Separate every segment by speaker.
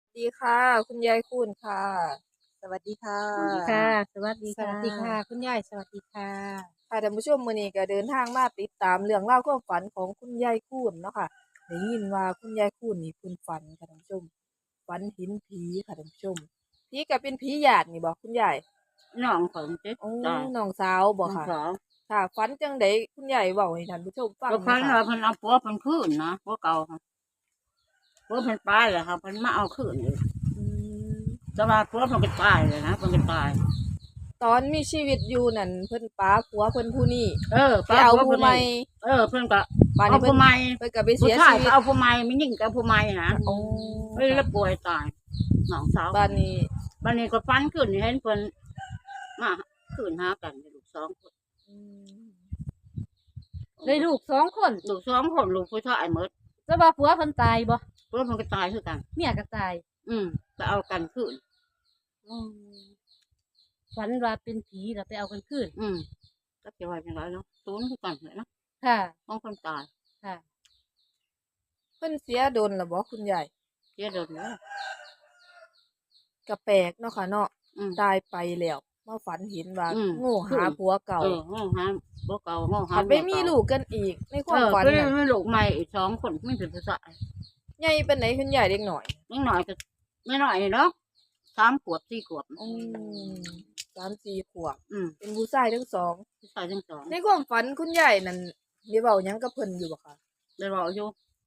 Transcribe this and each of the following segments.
Speaker 1: ดีค่ะคุณยายคุณค่ะสวัสดีค่ะ
Speaker 2: สวัสดีค่ะสวัสดี
Speaker 3: ส
Speaker 2: ค่ะ
Speaker 3: วัสดีค่ะคุณยายสวัสดีค่ะ
Speaker 1: ค่ะท่านผู้ชมมื้อนี้ก็เดินทางมาติดตามเรื่องราวความฝันของคุณยายคุณเนาะค่ะได้ยินว่าคุณยายคุณนี่เพิ่นฝันค่ะท่านผู้ชมฝันเห็นผีค่ะท่านผู้ชมผีก็เป็นผีญาตินี่บ่คุณยาย
Speaker 2: น้องของเจ๊
Speaker 1: โอ้
Speaker 2: ตาย
Speaker 1: น้องสาวบ่ค่ะ
Speaker 2: น้องสาว
Speaker 1: ค่ะฝันจังไดคุณยายเว้าให้ท่านผู้ชมฟัง
Speaker 2: ก็พัน
Speaker 1: หน่อยค่ะ
Speaker 2: ว่าเพิ่นเอาผัวเพิ่นคืนนะผัวเก่าค่ะผัวเพิ่นตายเลยค่ะเพิ่นมาเอาคืนเลย
Speaker 1: อืม
Speaker 2: แต่ว่าผัวเพิ่นก็ตายเลยนะเพิ่นก็ตาย
Speaker 1: ตอนมีชีวิตอยู่นั่นเพิ่นป๋าผัวเพิ่นผู้นี้
Speaker 2: เออ
Speaker 1: ไปเอา
Speaker 2: ป้าผัว
Speaker 1: ผู้ใหม่
Speaker 2: เพิ่นนี่เพิ่นก็
Speaker 1: บัด
Speaker 2: เอา
Speaker 1: นี้เพิ่น
Speaker 2: ผู้ใหม่
Speaker 1: เพิ่นก็ไป
Speaker 2: ผู้
Speaker 1: เสีย
Speaker 2: ชาย
Speaker 1: ชีวิต
Speaker 2: ก็เอาผู้ใหม่ไม่ยิ่งก็เอาผู้ใหม่นะ
Speaker 1: โอ้
Speaker 2: เฮ้ยแล้ว
Speaker 1: ค่ะ
Speaker 2: ป่วยตายน้องสาว
Speaker 1: บัดนี้
Speaker 2: บัดนี้ก็ฟันขึ้นเห็นเพิ่นมาคืนหากันลูกสองคน
Speaker 1: อืม
Speaker 3: เลยลูก2 คน
Speaker 2: ลูกสองคนลูกผู้ชายหมด
Speaker 3: จะว่าผัวเพิ่นตายบ่
Speaker 2: ผัวเพิ่นก็ตายคือกัน
Speaker 3: เมียก็ตาย
Speaker 2: ไปเอากันคืน
Speaker 3: อืมฝันว่าเป็นผีแล้วไปเอากันคืน
Speaker 2: ก็จะว่าจังไรเนาะศูนย์คือกันเลยเนาะ
Speaker 3: ค่ะ
Speaker 2: ของคนตาย
Speaker 3: ค่ะ
Speaker 1: เพิ่นเสียโดนแล้วบ่คุณยาย
Speaker 2: เสียโดนเลย
Speaker 1: ก็แปลกเนาะค่ะเนาะ
Speaker 2: อืม
Speaker 1: ตายไปแล้วมาฝันเห็นว่า
Speaker 2: อืม
Speaker 1: โง่หาผัวเก่า
Speaker 2: ง้อหาบ่เก่าง้อหา
Speaker 1: ผัดไปมีลูกกันอีกในความฝัน
Speaker 2: ก็
Speaker 1: น่ะ
Speaker 2: ไม่ลูกใหม่อีกสองคนไม่เป็นภาษา
Speaker 1: ใหญ่ปานไหนคุณยายเด็กน้อย
Speaker 2: นิดหน่อยก็ไม่หน่อยเนาะ3 ขวบ 4 ขวบ
Speaker 1: อืม3-4 ขวบ
Speaker 2: อืม
Speaker 1: เป็นผู้ชายทั้งสอง
Speaker 2: ผู้ชายทั้งสอง
Speaker 1: ในความฝันคุณยายนั่นได้เว้าหยังกับเพิ่นอยู่บ่คะ
Speaker 2: ได้บอกอยู่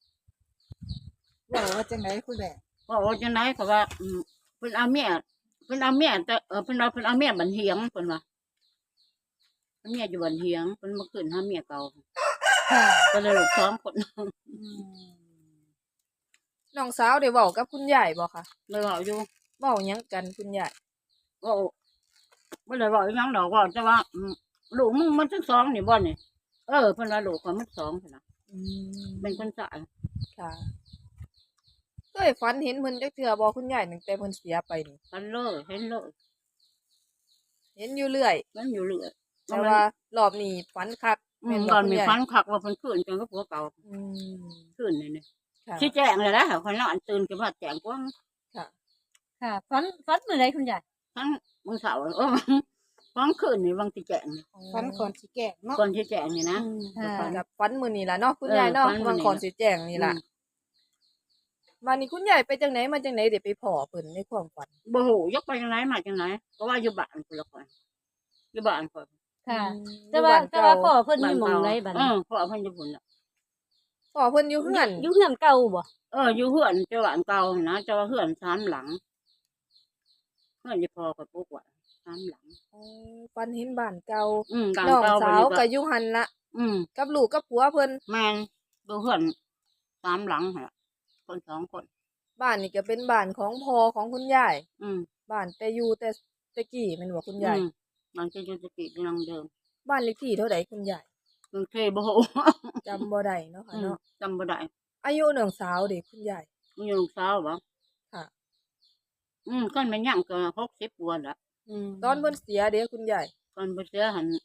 Speaker 3: ว่าจังไดคุณแม่
Speaker 2: ว่าจังไหนก็ว่าเป็นเอาเมียแต่เป็นเอาเมียบันเฮียงเป็นว่าเอาเมียอยู่บันเฮียงเป็นมาขึ้นหาเมียเก่า
Speaker 3: ค่ะ
Speaker 2: ก็เลยลูกสองคน
Speaker 3: อืม
Speaker 1: น้องสาวได้เว้ากับคุณยายบ่คะ
Speaker 2: ได้บอกอยู่
Speaker 1: เว้าหยังกันคุณยาย
Speaker 2: ว่าไม่ได้บอกอีหยังดอกว่าจะว่าลูกมึงมันทั้งสองนี่บ่นี่เพิ่นว่าลูกของมันสองพุ่นน่ะ
Speaker 1: อืม
Speaker 2: เป็นคนสาย
Speaker 1: ค่ะเคยฝันเห็นเพิ่นจักเทื่อบ่คุณยายตั้งแต่เพิ่นเสียไปนี่
Speaker 2: กันเลยเห็นเลย
Speaker 1: เห็นอยู่เรื่อย
Speaker 2: มันอยู่เรื่อย
Speaker 1: แต่ว่ารอบนี้ฝันคักแม่นบ่
Speaker 2: ตอนมี
Speaker 1: คุณยาย
Speaker 2: ฟันคักว่าเพิ่นขึ้นจังกับผัวเก่า
Speaker 1: อืม
Speaker 2: ขึ้นนี่
Speaker 1: ค่ะ
Speaker 2: ชี้แจงเลยนะคนนอนตื่นขึ้นมาแจ้งกว้าง
Speaker 1: ค่ะ
Speaker 3: ค่ะฝันมื้อใดคุณยาย
Speaker 2: ทั้งมื้อเช้าฟันขึ้นนี่บางสิแจ้งนี่
Speaker 3: ฝันก่อนสิแก่เนาะ
Speaker 2: ก่อนสิแจ้งนี่นะ
Speaker 3: ค่ะ
Speaker 2: ฝัน
Speaker 1: กับฝันมื้อนี้ล่ะเนาะคุณยายเนาะ
Speaker 2: ฝันมื้
Speaker 1: วั
Speaker 2: อง นี้
Speaker 1: ก่อนสิแจ้งนี่ล่ะ
Speaker 2: อืม
Speaker 1: บัดนี้คุณยายไปจังไหนมาจังไหนได้ไปพ้อเพิ่นในความฝัน
Speaker 2: บ่ฮู้ยกไปจังไหนมาจังไหนก็ว่าอยู่บ้านพุ่นละคนอยู่บ้านเพิ่น
Speaker 3: ค่ะ
Speaker 1: อยู่
Speaker 3: แต่ว่า
Speaker 1: บ้าน
Speaker 3: แต่
Speaker 1: เก่า
Speaker 3: ว่าพ่อเพิ่นมีหม่องใดบัดนี้
Speaker 2: พ่อเพิ่นอยู่พุ่นน่ะ
Speaker 1: พ้อเพิ่นอยู่เฮือน
Speaker 3: อยู่เฮือนเก่าบ่
Speaker 2: อยู่เฮือนเจ้าหลานเก่านะเจ้าเฮือน3 หลังเฮือนที่พ่อก็ปลูกไว้3 หลัง
Speaker 1: อ๋อฝันเห็นบ้านเก่า
Speaker 2: บ้าน
Speaker 1: น้อง
Speaker 2: เก่า
Speaker 1: สาวก็อยู่หั่นล่ะกับลูกกับผัวเพิ่น
Speaker 2: แม่นดูเฮือน3 หลังหั่นล่ะคน2 คน
Speaker 1: บ้านนี่ก็เป็นบ้านของพ่อของคุณยาย
Speaker 2: อืม
Speaker 1: บ้านแต่อยู่แต่กี้แม่นบ่คุณยาย
Speaker 2: มันจะอยู่สติอยู่นังเดิม
Speaker 1: บ้านเลขที่เท่าใดคุณยาย
Speaker 2: กรุงเทพบ่ฮู้
Speaker 1: จำบ่ได้เนาะค่ะเนาะ
Speaker 2: จำบ่ได้
Speaker 1: อายุน้องสาวเด้คุณยาย
Speaker 2: มีลูกสาวบ่
Speaker 1: ค่ะ
Speaker 2: คันแม่นยังก็60 กว่าแล้ว
Speaker 1: ตอนเพิ่นเสียเด้คุณยาย
Speaker 2: ก่อนบ่เสียหั่น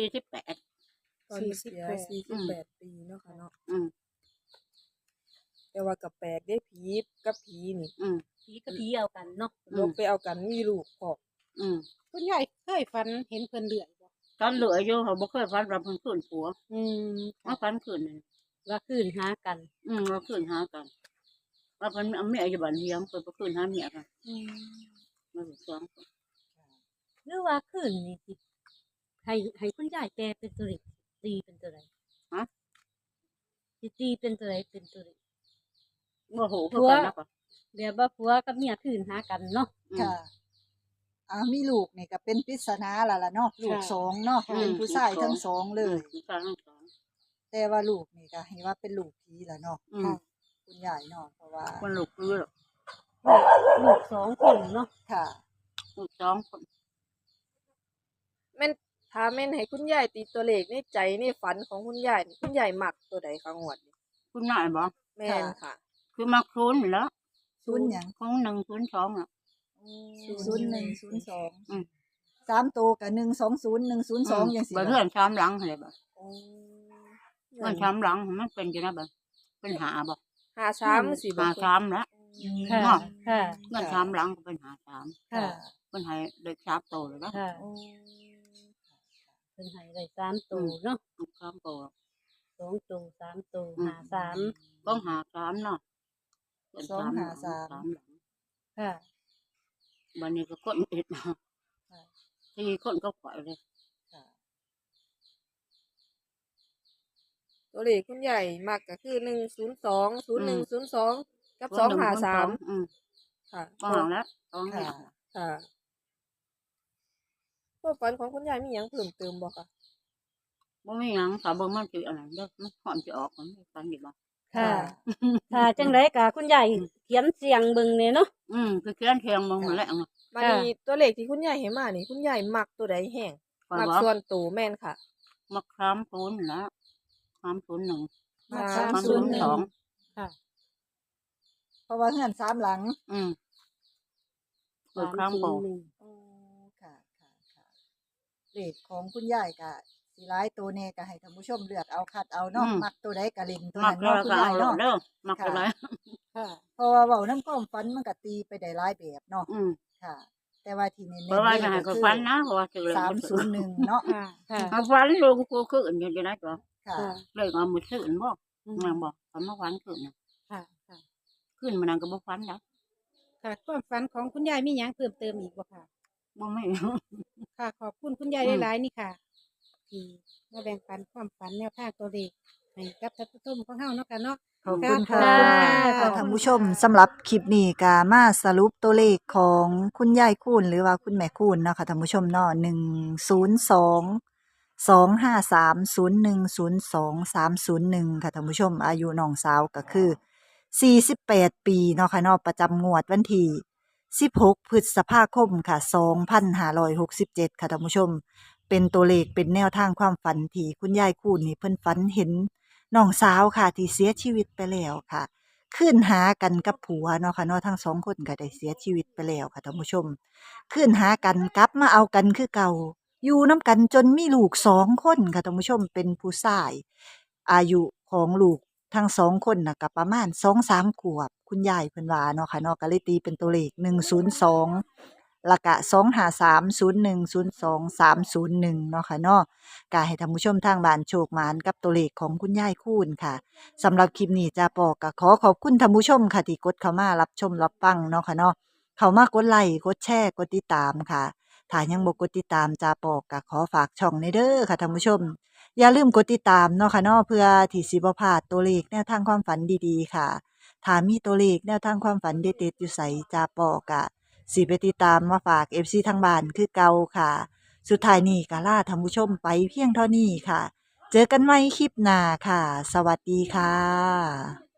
Speaker 2: 48
Speaker 1: ตอนเพิ่นเสีย48 ปีเนาะค่ะเนาะ
Speaker 2: อืม
Speaker 1: แต่ว่าก็แปลกเด้ผีกับผีนี่
Speaker 3: ผีกับผีเอากันเนาะ
Speaker 1: ลบไปเอากันมีลูกพร้อม
Speaker 2: อืม
Speaker 3: คุณยายเคยฝันเห็นเพิ่นเลื่อยบ่
Speaker 2: ตอนเหลืออยู่เขาบ่เคยฝันว่าเพิ่นคืนผัว
Speaker 3: อืม
Speaker 2: มาฝันคืนนี่
Speaker 3: ว่าคืนหากัน
Speaker 2: ว่าคืนหากันว่าเพิ่นเอาเมียอยู่บ้านเฮียงเพิ่นบ่คืนหาเมียกันมาลูกสองคน
Speaker 3: หรือว่าคืนนี่สิให้คุณยายแปลเป็นตัวเลขตีเป็นตัวใดสิตีเป็นตัวใดเป็นตัวเลข
Speaker 2: บ่ฮู้คือกันแล้วก็
Speaker 3: เดี๋ยวว่าผัวกับเมียคืนหากันเนาะ
Speaker 4: ค่ะมีลูกนี่ก็เป็นปริศนาล่ะเนาะลูกสองเนาะเป็นผู้ชายทั้งสองเลย
Speaker 2: ผู้ชายทั้งสอง
Speaker 4: แต่ว่าลูกนี่ก็ให้ว่าเป็นลูกผีล่ะเนาะ
Speaker 2: ค่ะ
Speaker 4: คุณยายเนาะเพราะว่า
Speaker 2: คนลูกคือ
Speaker 3: ลูก2 คนเนาะ
Speaker 4: ค่ะ
Speaker 2: ลูกสองคน
Speaker 1: แม่นถ้าแม่นให้คุณยายตีตัวเลขในใจในฝันของคุณยายนี่คุณยายมักตัวใดคะงวดนี้
Speaker 2: คุณนายบ่
Speaker 1: แม่นค่ะ
Speaker 2: คือมักศูนย์นี่แหล้ว
Speaker 4: ศูนย์หยัง
Speaker 2: ของ102น่ะ
Speaker 4: 01023ตัวก็120 102จังซี่
Speaker 2: บ่เฮือน3หลังหั่นแหละบ่
Speaker 1: อ๋อ
Speaker 2: เฮือน3หลังมันเป็นจังได๋บ่เป็นหาบ่
Speaker 1: 53สิบ่
Speaker 2: หา
Speaker 1: คุณ
Speaker 2: 3แล้ว
Speaker 3: ค่ะ
Speaker 2: เนาะ
Speaker 3: ค่ะ
Speaker 2: เงินสามหลังก็เป็นหาสาม
Speaker 3: ค่ะ
Speaker 2: เพิ่นให้เด็ก3โตเลยนะ
Speaker 3: ค่ะ
Speaker 1: โอ้
Speaker 3: เพิ่นให้ได้3ตัวเนาะ
Speaker 2: 3โต
Speaker 3: 2ตัว3ตัว
Speaker 2: อืม
Speaker 3: 53
Speaker 2: ต้องหา3เนาะเพิ่น
Speaker 4: สองหาสาม
Speaker 2: สามหลัง
Speaker 3: ค่ะ
Speaker 2: บัดนี้ก็คนอีก
Speaker 4: ค่ะ
Speaker 2: 4คนก็ปล่อยเลย
Speaker 4: ค่ะ
Speaker 1: ตัวเลขคุณยายมักก็คือ102 0102กับ
Speaker 2: คนหนึ่งคนสอง
Speaker 1: 253ค่ะ
Speaker 2: บ่ห่างแล้วต้อง
Speaker 4: ค่ะ
Speaker 1: ค่ะความฝันของคุณยายมีหยังเพิ่มเติมบ่คะ
Speaker 2: บ่มีหยังถ้าเบิ่งมันสิอันนั้นเด้อมันพร้อมสิออกมันฟันอีกบ่
Speaker 3: ค่ะ ถ้าจังไดก็คุณยายเขียนเสียงเบิ่งแหน่เนาะ
Speaker 2: คือเขียนเทียงมองมาแล้ว
Speaker 1: บัดนี้ตัวเลขที่คุณยายให้มานี่คุณยายมักตัวใดแห้ง
Speaker 2: ข่อย
Speaker 1: มัก
Speaker 2: ว่า
Speaker 1: ส่วนตัวแม่นค่ะ
Speaker 2: มัก30นั่นล่ะ301
Speaker 4: มา
Speaker 2: 302
Speaker 3: ค่ะ
Speaker 4: เพราะว่าเฮือน3หลัง
Speaker 2: เปิดข้ามโบ
Speaker 3: 301
Speaker 4: อ๋อค่ะค่ะค่ะเลขของคุณยายก็สิหลายตัวแน่ก็ให้ท่านผู้ชมเลือกเอาคัดเอาเนาะมักตัวใดก็เล่นตัว
Speaker 2: มัก
Speaker 4: นั้น
Speaker 2: แล้ว
Speaker 4: เนาะคุณยาย
Speaker 2: ก็เอา
Speaker 4: เนาะ
Speaker 2: เด้อมักไปเลย
Speaker 3: ค่ะ
Speaker 4: เพราะว่าเว้านำความฝันมันก็ตีไปได้หลายแบบเนาะค่ะ แต่ว่าที่เน้นๆ
Speaker 2: เพราะว่าจะให้
Speaker 4: ก็
Speaker 2: ก็
Speaker 4: คือ
Speaker 2: ฟันนะเพราะว่าถือเลย
Speaker 4: 301เนาะ
Speaker 3: ค่ะ ค่ะ
Speaker 2: เอาฟันลงกูขึ้นอยู่จะได้ก็
Speaker 4: ค่ะ
Speaker 3: ค่ะ
Speaker 2: เลยเอามือขึ้นบ่
Speaker 3: อืม
Speaker 2: นางบอกฟันมาฟันขึ้นน่ะ
Speaker 3: ค่ะ ค่ะ
Speaker 2: ขึ้นมานางก็บ่ฟันนะ
Speaker 5: ค่ะความฝันของคุณยายมีหยังเพิ่มเติมอีกบ่ค่ะ
Speaker 2: บ่ไม่
Speaker 5: ค่ะ ขอบคุณคุณยาย
Speaker 2: อืม
Speaker 5: หลายๆนี่ค่ะ ที่มาแบ่งปันความฝันแนวทางตัวเลขให้กับท่านผู้ชมของเฮาเนาะค่ะเนาะ
Speaker 4: ขอบคุณค่ะ
Speaker 3: ขอบคุณค่ะ
Speaker 4: ท่านผู้ชมสำหรับคลิปนี้ก็มาสรุปตัวเลขของคุณยายคูณหรือว่าคุณแม่คูณเนาะค่ะท่านผู้ชมเนาะ102-253-0102-301ค่ะท่านผู้ชมอายุน้องสาวก็คือ48ปีเนาะค่ะเนาะประจำงวดวันที่16พฤษภาคมค่ะ2567ค่ะท่านผู้ชม เป็นตัวเลขเป็นแนวทางความฝันที่คุณยายคูณนี่เพิ่นฝันเห็นน้องสาวค่ะที่เสียชีวิตไปแล้วค่ะคืนหากันกับผัวเนาะค่ะเนาะทั้งสองคนก็ได้เสียชีวิตไปแล้วค่ะท่านผู้ชมคืนหากันกลับมาเอากันคือเก่าอยู่น้ำกันจนมีลูก2คนค่ะท่านผู้ชมเป็นผู้ชายอายุของลูกทั้ง2คนน่ะก็ประมาณ2-3 ขวบคุณยายเพิ่นว่าเนาะค่ะเนาะก็เลยตีเป็นตัวเลข102แล้วก็253-0102-301เนาะค่ะเนาะก็ให้ท่านผู้ชมทางบ้านโชคหมานกับตัวเลขของคุณยายคูณค่ะสำหรับคลิปนี้จ้าปอก็ขอขอบคุณท่านผู้ชมค่ะที่กดเข้ามารับชมรับฟังเนาะค่ะเนาะเข้ามากดไลค์กดแชร์กดติดตามค่ะถ้ายังบ่กดติดตามจ้าปอก็ขอฝากช่องในเด้อค่ะท่านผู้ชมอย่าลืมกดติดตามเนาะค่ะเนาะเพื่อที่สิบ่พลาดตัวเลขแนวทางความฝันดีๆค่ะถ้ามีตัวเลขแนวทางความฝันเด็ดๆอยู่ไสจ้าปอกะ สิไปติดตามมาฝาก FC ทางบ้านคือเก่าค่ะ สุดท้ายนี้ก็ลาท่านผู้ชมไปเพียงเท่านี้ค่ะ เจอกันใหม่คลิปหน้าค่ะ สวัสดีค่ะ